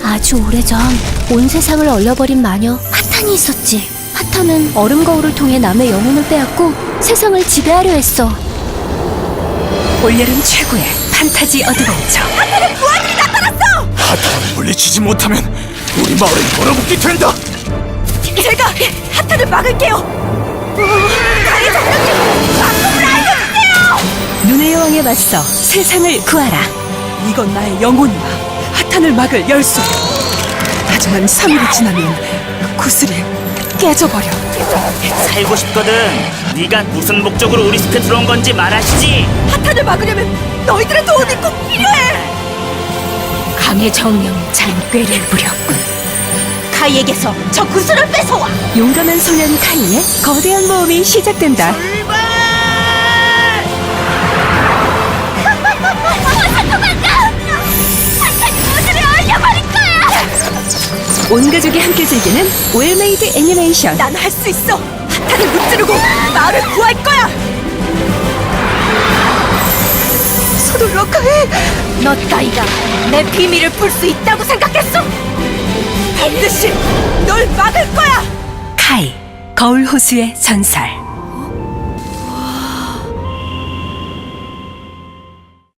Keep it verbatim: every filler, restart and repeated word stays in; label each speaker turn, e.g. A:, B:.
A: 아주 오래전 온 세상을 얼려버린 마녀 하탄이 있었지. 하탄은 얼음 거울을 통해 남의 영혼을 빼앗고 세상을 지배하려 했어.
B: 올여름 최고의 판타지 어드벤처.
C: 하탄의 부하들이 나타났어!
D: 하탄을 물리치지 못하면 우리 마을은 얼어붙게 된다.
C: 제가 하탄을 막을게요. 가해 정령님, 방법을 알려주세요!
B: 눈의 여왕에 맞서 세상을 구하라.
C: 이건 나의 영혼이야. 하탄을 막을 열쇠. 하지만 삼 일이 지나면 구슬이 깨져버려.
E: 살고 싶거든. 네가 무슨 목적으로 우리 숲에 들어온 건지 말하시지.
C: 하탄을 막으려면 너희들의 도움이 꼭 필요해.
A: 강의 정령 잔꾀를 부렸군.
C: 카이에게서 저 구슬을 뺏어와.
B: 용감한 소년 카이의 거대한 모험이 시작된다. 온 가족이 함께 즐기는 웰메이드 애니메이션.
C: 난 할 수 있어. 하탄을 무찌르고 마을을 구할 거야. 서둘러 카이. 너 따위가 내 비밀을 풀 수 있다고 생각했어? 반드시 널 막을 거야.
B: 카이, 거울 호수의 전설.